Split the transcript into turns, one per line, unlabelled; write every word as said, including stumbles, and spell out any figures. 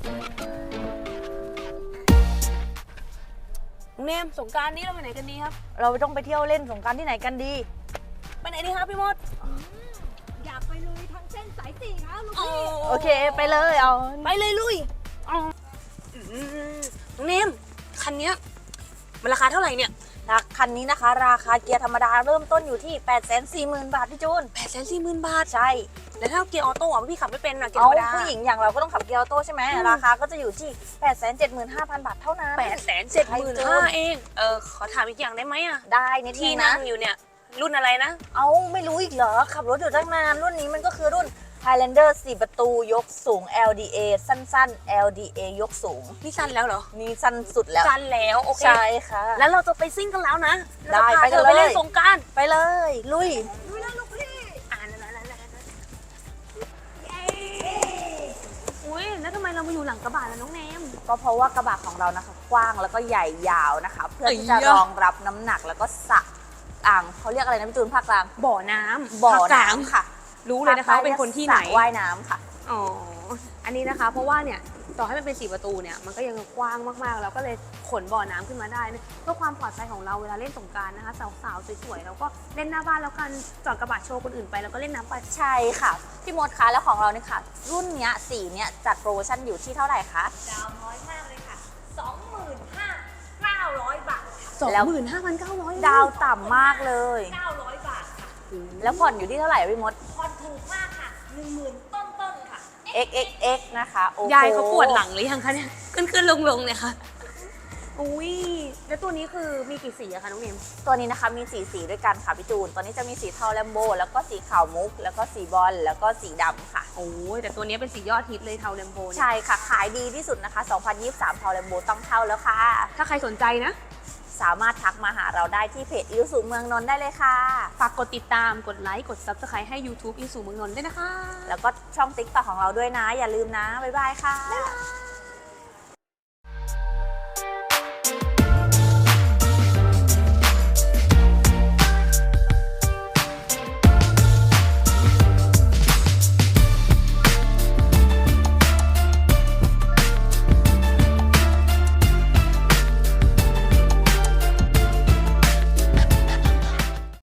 เนมสงกรานต์นี้เราไปไหนกันดีครับ
เราต้องไปเที่ยวเล่นสงกรานต์ที่ไหนกันดี
ไปไหนดีครับพี่มด
อยากไปลุยทางเส้นสายสี่ครับลูก
โอ้
พี่
โอเคไปเลยเอา
ไปเลยลุยเอาอืมน้องเนมคันเนี้ยมันราคาเท่าไหร่เนี่ย
ราคันนี้นะคะ ราคาเกียร์ธรรมดาเริ่มต้นอยู่ที่ แปดแสนสี่หมื่น บาทพี่จูน
แปดแสนสี่หมื่นบาท
ใช่
แล้วถ้าเกียร์ออโต้อะพี่ขับไม่เป็นอะเกียร์ธ
เอา
รรมดา
ผู้หญิงอย่างเราก็ต้องขับเกียร์ออโต้ใช่ไหมราคาก็จะอยู่ที่ แปดแสนเจ็ดหมื่นห้าพัน บาทเท่านั้น
แปดแสนเจ็ดหมื่นห้าเองเออขอถามอีกอย่างได้ไหมอะ
ได้นิดนึ
ที่
ง
นั่
นะ
งอยู่เนี่ยรุ่นอะไรนะ
เอาไม่รู้อีกเหรอ ขับรถอยู่ตั้งนาน รุ่นนี้มันก็คือรุ่น Highlander สี่ประตูยกสูง แอล ดี เอ สั้นๆ แอล ดี เอ ยกสูง
นี่สั้นแล้วเหรอ
นี่สั้นสุดแล้ว
สั้นแล้วโอเค
ใช่ค่ะ
แล้วเราจะไปซิ่งกันแล้วนะ
ได้
เราจะพา
ไปกัน
ธอไป
เลย
เล่นสงกรานต์
ไปเลย ลุย
ลุยแล้วลูกพี่
อ่านแล้วแล้วแล้วอุ้ยแล้วทำไมเรามาอยู่หลังกระบะล่ะน้องเนม
ก็เพราะว่ากระบะของเรานะคะกว้างแล้วก็ใหญ่ยาวนะคะ เพื่อที่จะ
เอ้ยยะ
รองรับน้ำหนักแล้วก็สระอ่างเขาเรียกอะไรนะพี่จูนภาคกลาง
บ่อน้ำ
บ่อ
ภาคกลาง
น้ำค่ะ
รู้เลยนะคะว่าเป็นคนที่ไหน
สระว่ายน้ำค่ะ
อ๋อ อันนี้นะคะ เพราะว่าเนี่ยต่อให้มันเป็นสี่ประตูเนี่ยมันก็ยังกว้างมากๆ แล้วก็เลยขนบ่อน้ำขึ้นมาได้นะเพื่อความปลอดภัยของเราเวลาเล่นสงกรานต์นะคะสาวๆสวยๆเราก็เล่นหน้าบ้านแล้วกันจอดกระบะโชว์คนอื่นไปแล้วก็เล่นน้ำไป
ใช่ค่ะ พี่มดคะแล้วของเราเนี่ยค่ะ รุ่นเนี้ยสีเนี้ยจัดโปรโมชั่นอยู่ที่เท่าไหร่คะ
ดาวน้อยมากเลยค่ะ สองหมื่นห้าเก้าร้อย บาทค่ะ
สอง
แล้ว
หมื่นห้าพันเก้าร้อย
ดาวต่ำมากเลย
เก้าร้อย บาทค่ะ
แล้วผ่อนอยู่ที่เท่าไหร่อะพี่มด
ผ่อนถูกมากค่ะหนึ่งหมื่นต้นต้นๆค่ะ
เอ็กซ์ เอ็กซ์ เอ็กซ์ นะคะโอ้โห
ยายเขาปวดหลังหรือยังคะเนี่ยขึ้นขึ้นลงลงๆเนี่ยค่ะอุ้ยแล้วตัวนี้คือมีกี่สีอะคะน้องเนม
ตัวนี้นะคะมีสีสีด้วยกันค่ะพี่จูน ตอนนี้จะมีสีเทาแลมโบแล้วก็สีขาวมุก แล้วก็สีบอลแล้วก็สีดำค่ะ
โอ้ยแต่ตัวนี้เป็นสียอดฮิตเลยเทาแลมโบเนี่ย
ใช่ค่ะ ขายดีที่สุดนะคะ สองพันยี่สิบสาม เทาแลมโบต้องเท่าแล้วค่ะ
ถ้าใครสนใจนะ
สามารถทักมาหาเราได้ที่เพจอิวสุเมืองนนท์ได้เลยค่ะ
ฝากกดติดตามกดไลค์กด ซับสไครบ์ ให้ ยูทูบ อินสู่เมืองนนท์ด้วยนะคะ
แล้วก็ช่องติ๊กต็อกของเราด้วยนะ อย่าลืมนะ บ๊ายบายค่ะ
บ๊ายบาย